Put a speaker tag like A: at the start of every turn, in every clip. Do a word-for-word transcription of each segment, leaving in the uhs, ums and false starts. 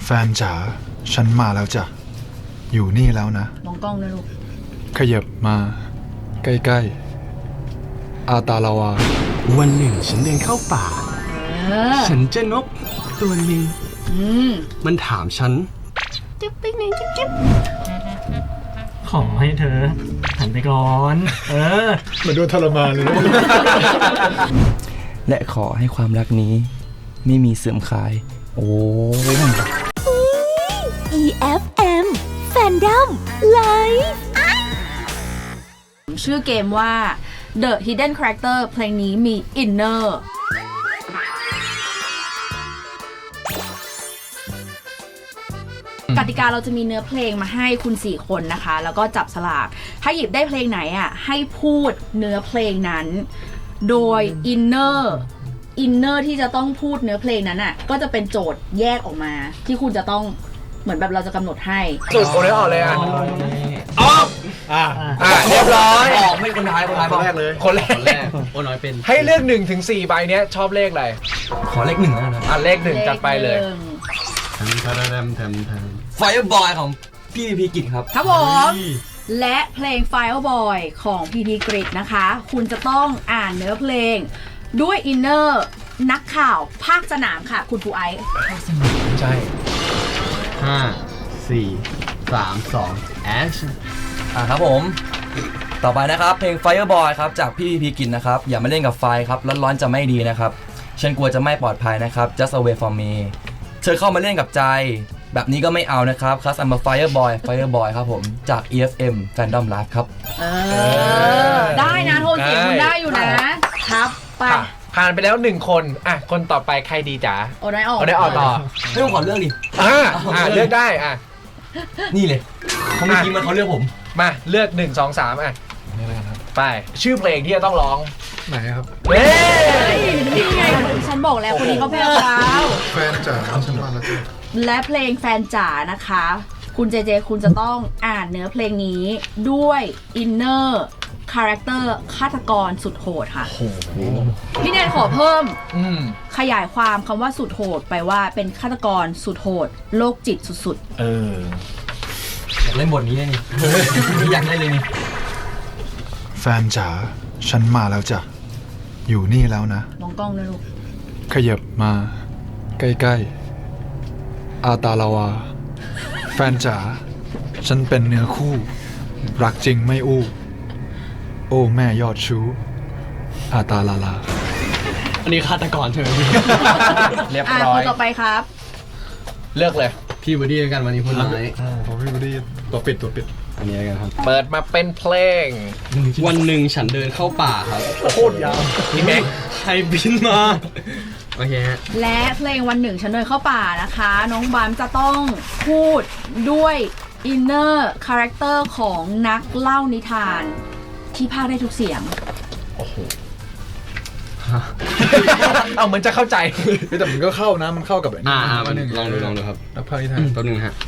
A: แฟนจ๋าฉันมาแล้วจ้ะอยู่นี่แล้วนะ
B: มองกล้องด้วยลูก
A: ขยับมาใกล้ๆอาตาลาวา
C: วันหนึ่งฉันเดินเข้าป่า
B: เออ
C: ฉันเจอนกตัวหนึ่ง
B: อืม
C: มันถามฉัน
B: จิ๊บปิ๊กหนึ่งจิ๊บจิ๊บ
D: ขอให้เธอหันไปก่อน เออ
A: เหมือนโดนทรมานเลย
E: และขอให้ความรักนี้ไม่มีเสื่อมคลาย โอ้ย
F: อี เอฟ เอ็ม Fandom Live
B: ชื่อเกมว่า The Hidden Character เพลงนี้มี Inner กติกาเราจะมีเนื้อเพลงมาให้คุณสี่คนนะคะ แล้วก็จับสลากถ้าหยิบได้เพลงไหนอ่ะให้พูดเนื้อเพลงนั้น โดย Inner Inner ที่จะต้องพูดเนื้อเพลงนั้นอ่ะก็จะเป็นโจทย์แยกออกมา ที่คุณจะต้องเหมือนแบบเราจะกำหนดให้
G: สุดโอนได้ออกเลยอ่ะออก
A: อ่า
G: อ่ะเรียบร้อย
E: ออกไม่คนท้ายคนท้าย
A: คนแรกเลย
G: คนแร
C: คนแร
G: ก
C: กโอ้น้อยเป็น
G: ให้เลือกหนึ่งถึงสี่ใบเนี้ยชอบเลขอะไร
E: ขอเลขหนึ่งแล้วนะ
G: อ่ะเลขหนึ่งจัดไปเลย
B: หนึ่ง
C: แทมแทมแทมแทมแทม
E: ไฟบอยของพี่พีกิจครับ
B: ครับผมและเพลง Fireboy ของ พี พี Grid นะคะ คุณจะต้องอ่านเนื้อเพลงด้วยอินเนอร์นักข่าวภาคสนามค่ะ คุณปูไอซ์
G: ใช่
C: ห้าสี่สามสอง action
E: อ่าครับผม ต่อไปนะครับเพลง Fireboy ครับจากพี่พีกิจนะครับ อย่ามาเล่นกับไฟครับร้อนๆจะไม่ดีนะครับ ฉันกลัวจะไม่ปลอดภัยนะครับ just away from me เธอเข้ามาเล่นกับใจ แบบนี้ก็ไม่เอานะครับ cause I'm a Fireboy Fireboy ครับผมจาก อี เอฟ เอ็ม Fandom Live ครับ
B: เออ ได้นะโทนเสียงคุณได้อยู่นะ ครับ ไป
G: ผ่านผ่านไปแล้วหนึ่งคนอ่ะคนต่อไปใครดีจ๋า
B: โอ้ได้ออก
G: เอาได้ออกต่อ
E: ไม่ต้องขอเรื่องดิ
G: อ่ะอ่ะเลือกได้อ่ะ
E: นี่เลยเขาไม่อกี้มันเขาเลือกผม
G: มาเลือกหนึ่งสองสามอ่ะ
A: นี่แล้วกันครับ
G: ไปชื่อเพลงที่จะต้องร้อง
A: ไหนครับ
G: เฮ้
B: นี่ไงฉันบอกแล้วคนนี้เขาแพ้แล้ว
A: แฟนจ๋าฉันมาแล้วจ้ะ
B: และเพลงแฟนจ๋านะคะ คุณเจเจคุณจะต้องอ่านเนื้อเพลงนี้ด้วยอินเนอร์คาแรคเตอร์ฆาตกรสุดโหดค่ะพี่แนนขอเพิ่ม
G: อืม
B: ขยายความคำว่าสุดโหดไปว่าเป็นฆาตกรสุดโหดโรคจิตสุด
G: เออ
E: อยากเล่นบทนี้เลยนี่ อยากเล่นเลยนี่
A: แฟนจ๋าฉันมาแล้วจ้ะอยู่นี่แล้วนะ
B: ๆมองกล้องด้วยลูก
A: ขยับมาใกล้ๆอาตาลาวา แฟนจ๋าฉันเป็นเนื้อคู่ รักจริงไม่อู้ โอ้แม่ยอดชู้อาตาลาลา
C: อันนี้ฆาตกรเธอ
G: เรียบ
B: อ่า
G: ร้อ
B: ค
G: ย
B: นต่อไปครับ
G: เลือกเลย
C: พี่บอดี้แล้วกันวันนี้พูดน้อย
A: ผมพี่บดีตัวปิดตัวปิด
C: อันนี้แล้วกันครับ
G: เปิดมาเป็นเพลง
C: วันหนึ่งฉันเดินเข้าป่าครับ
G: โคตรยาวพี่แม็ก
C: ใครบินมา โอเคฮะ
B: และเพลงวันหนึ่งฉันเดินเข้าป่านะคะ น้องบามจะต้องพูดด้วยอินเนอร์คาแรคเตอร์ของนักเล่านิทาน ที่พากย์ได้ทุกเสียง
G: เอาเหมือนจะเข้าใจ
A: แต่มันก็เข้านะมันเข้ากับไอ้นี่
C: อ่าอ่า
A: วันหนึ่ง
C: ลองดูลองดูครับ
A: นักพากย์นิทาน
C: แป๊บนึงฮะ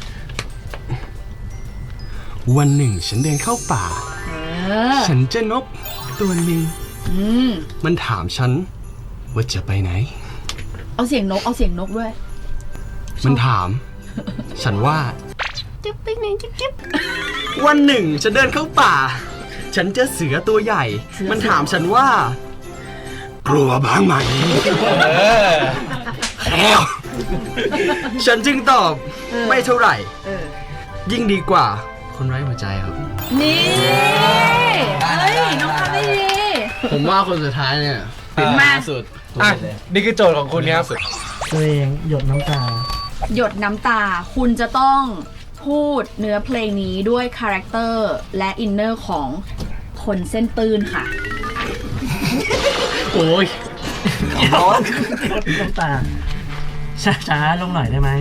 C: วันหนึ่งฉันเดินเข้าป่า
B: เออ
C: ฉันเจอนกตัวหนึ่ง
B: อืม
C: มันถามฉันว่าจะไปไหน
B: เอาเสียงนกเอาเสียงนกด้วย
C: มันถาม ฉันว่า
B: จิ๊บปิ๊กหนึ่งจิ๊บจิ๊บ
C: วันหนึ่งฉันเดินเข้าป่า ฉันเจอเสือตัวใหญ่
B: เสือ
C: มันถามฉันว่า กลัวบ้างไหม
G: เออ
C: แล้ว ฉันจึงตอบไม่เท่าไหร่
B: เออ
C: ยิ่งดีกว่า คนไร้หัวใจครับ
B: นี่เฮ้ยน้องทำได้ดี
C: ผมว่าคนสุดท้ายเนี่ย
B: มา
C: สุด
G: อ่ะนี่คือโจทย์ของคุณครับ
D: ตัวเองหยดน้ำตา
B: หยดน้ำตาคุณจะต้องพูดเนื้อเพลงนี้ด้วยคาแรคเตอร์และอินเนอร์ของคนเส้นตื้นค่ะ
C: โอ้ย
E: ร้อน
D: น้ำตา ช้าๆลงหน่อยได้ไหม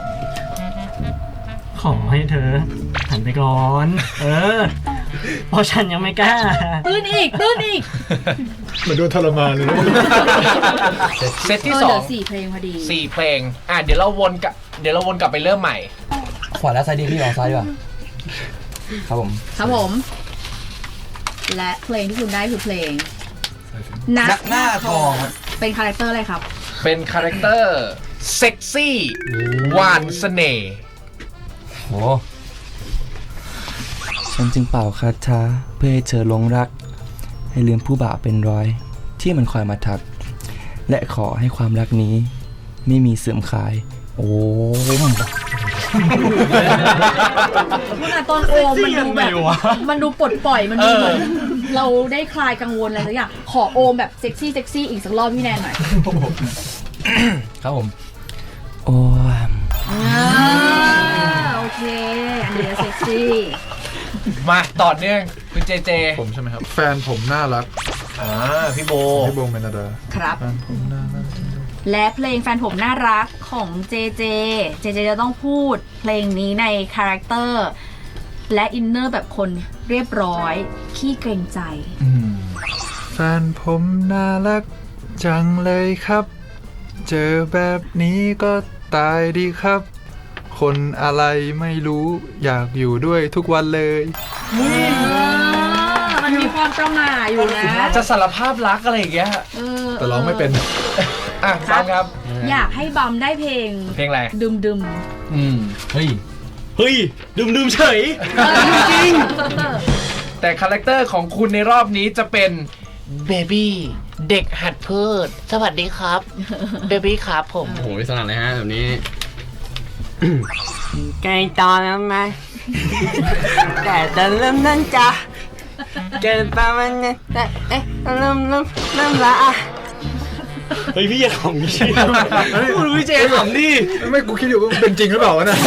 D: ขอให้เธอหันไปก่อน เออ เพราะฉันยังไม่กล้า
B: ตื้นอีก ตื้นอีก
A: เหมือนโดนทรมานเลย
G: เซตที่
B: เออ
G: ส
B: เห
G: อ
B: ลื
G: ง
B: อสี่เพลงพอดี
G: สี่เพลง อ่ะเดี๋ยวเราวนกลับเดี๋ยวเราวนกลับไปเริ่มใหม่
E: ขวาและซ้ายดีพี่ลองซ้ายดีกว่าครับผม
B: ครับผม และเพลงที่คุณได้คือเพลง
E: นักหน้าทองครับ
B: เป็นคาแรคเตอร์อะไรครับ
G: เป็นคาแรคเตอร์เซ็กซี่หวานเสน่ห์
E: โอ้ฉันจึงเป่าคาถาเพื่อให้เธอหลงรัก ให้ลืมผู้บ่าวเป็นร้อย ที่มันคอยมาทัก และขอให้ความรักนี้ ไม่มีเสื่อมคลาย โอ้ม
B: มันอะตอนโอมมันดูแบบมันดูปลดปล่อยมันดูเหมือนเราได้คลายกังวลอะไรสักอย่างขอโอมแบบเซ็กซี่เซ็กซี่อีกสักรอบพี่แนนหน่อย
E: ครับผม โอ้ม
B: อ่าโอเค อันนี้เซ็กซี่
G: มาต่อเนื่องคุณเจเจ
A: ผมใช่ไหมครับ แฟนผมน่ารัก
G: อ่าพี่โบ
A: พี่โบเมนดา
B: ครับ
A: แฟนผมน่ารัก
B: และเพลงแฟนผมน่ารักของเจเจ เจเจจะต้องพูดเพลงนี้ในคาแรคเตอร์และอินเนอร์แบบคนเรียบร้อย ขี้เกรงใจ
A: แฟนผมน่ารักจังเลยครับ เจอแบบนี้ก็ตายดีครับ คนอะไรไม่รู้อยากอยู่ด้วยทุกวันเลย
B: มันมีความประหม่าอยู่นะ
G: จะสารภาพรักอะไรอย่างเงี้ย
B: เออ
A: แต่ร้องไม่เป็น
G: อ่ะฟังครับ
B: อยากให้บัมได้เพลง
G: เพลงอะไร
B: ดึมดึม
G: อืม
D: เฮ้ย
C: เฮ้ยดื่มดื่มเฉย
B: จริง
G: แต่คาแรคเตอร์ของคุณในรอบนี้จะเป็นเบบี้เด็กหัดพูดสวัสดีครับเบบี้ครับผม
C: โอ้โหสนั่นเลยฮะแบบนี้
H: ใกล้ตอนแล้วไหม แต่จะเริ่มนั่นจ้ะเกิดประมาณนี้แต่เอ๊ะเริ่มเริ่มเริ่มละอ่ะ
C: เฮ้ยพี่อย่าขำดิพูดพี่เจขำดิ
A: ไม่กูคิดอยู่ว่าเป็นจริงหรือเปล่าวะเนะ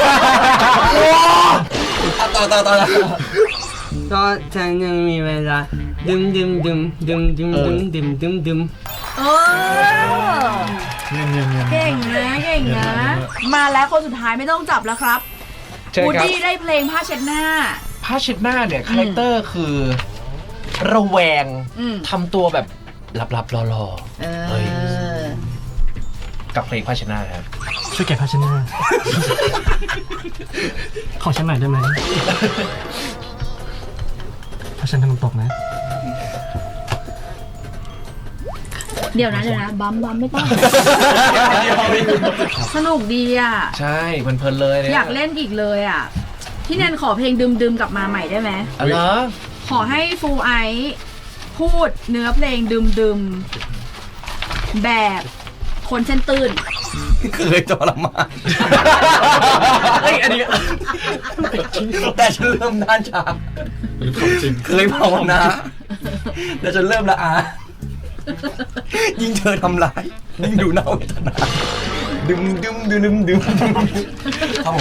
E: ต่อต่อต่อ
H: ก็ฉันยังมีเวลาดึมดึมดึมดึมดึมดึมดึมดึมดึม
B: เออ
A: เงียบเงียบเงียบ
B: เก่งนะเก่งนะ มาแล้วคนสุดท้ายไม่ต้องจับแล้วครับ
G: เชิญ
B: วู
G: ครับ
B: ดี้ได้เพลงผ้าเช็ดหน้า
G: ผ้าเช็ดหน้าเนี่ยคาแรคเตอร์คือระแวง
B: อืม
G: ทำตัวแบบลับๆรอ
B: เอ
G: เฮ้ย
B: อ
G: ๆกับเพลงผ้าเช็ดหน้าครับ
D: ช่วยแกะผ้าเช็ดหน้า ขอฉันหน่อยได้ไหมเพราะฉันทำมันตกนะ
B: เดี๋ยวนะเดี๋ยวนะบัมบัมไม่ต้อง สนุกดีอ่ะ
G: ใช่เพลินๆเลยเนี่ย
B: อยากเล่นอีกเลยอ่ะ พี่แนนขอเพลงดึมดึมกลับมาใหม่ได้ไหม
G: อ๋อเหรอ
B: ขอให้ฟูไอซ์พูดเนื้อเพลงดึมดึมแบบคนเส้นตื้น
E: เคยทรมาน
C: เฮ้ยอันนี้
E: แต่ฉันเริ่มด้านชา
A: เป็นของจริง
E: เคยภาวนาแต่จนเริ่มละอา ยิ่งเธอทำร้าย ยิ่งดูน่าเวทนา ดึมดึมดึมดึมดึมครับผม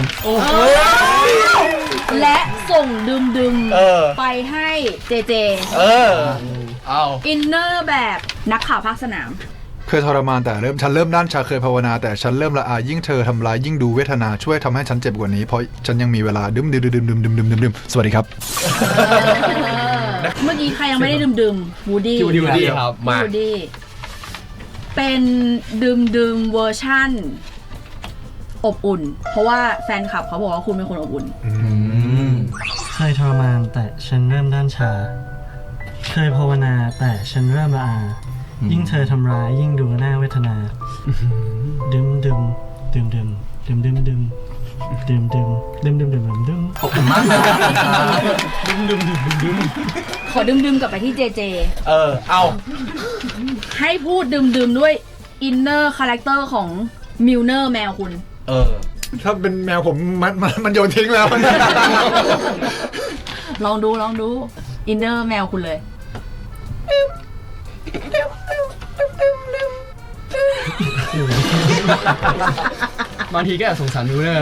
B: และส่งดึมดึม
G: เออ
B: ไปให้เจเจ
G: เออ เอา
B: อินเนอร์แบบนักข่าวภาคสนาม
A: เคยทรมานแต่เริ่มฉันเริ่มด้านชาเคยภาวนาแต่ฉันเริ่มละอายยิ่งเธอทำร้ายยิ่งดูเวทนาช่วยทำให้ฉันเจ็บกว่านี้เพราะฉันยังมีเวลาดึมดึมดึมดึมดึมดึมดึมดึมดึมสวัสดีครับ
B: เมื่อกี้ใครยังไม่ได้ดื่มดื่มวูดี้
C: วูดี้วูดี้ครับ
G: มา
B: วูดี้เป็นดื่มดื่มเวอร์ชั่น อบอุ่น เพราะว่าแฟนคลับเขาบอกว่าคุณเป็นคนอบอุ่น
D: เคยทรมานแต่ฉันเริ่มด้านชา เคยภาวนาแต่ฉันเริ่มละอา ยิ่งเธอทำร้ายยิ่งดูน่าเวทนาดึมดึมดึมดึมดึมดึมดึมดึมดึมดึมดึมดึมดึมดึม
E: ขอบคุณมากนะครับ
B: ขอดื่มดื่มกลับไปที่เจเจ
G: เออ เอา
B: ให้พูดดื่มดื่มด้วยอินเนอร์คาแรคเตอร์ของมิลเนอร์แมวคุณ
G: เออ
A: ถ้าเป็นแมวผมมันมันมันโยนทิ้งแล้ว
B: ลองดูลองดูอินเนอร์แมวคุณเลย
C: บางทีก็แอบสงสารดูเนอร์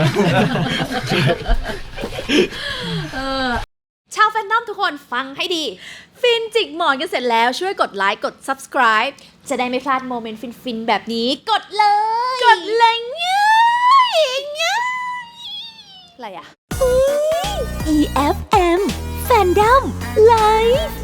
I: ชาวแฟนนอมทุกคนฟังให้ดี ฟินจิกหมอนกันเสร็จแล้วช่วยกดไลค์กด subscribe จะได้ไม่พลาดโมเมนต์ฟินๆ แบบนี้กดเลย กดเลยง่ายง่ายอะไรอะ
F: อี เอฟ เอ็ม Fandom Live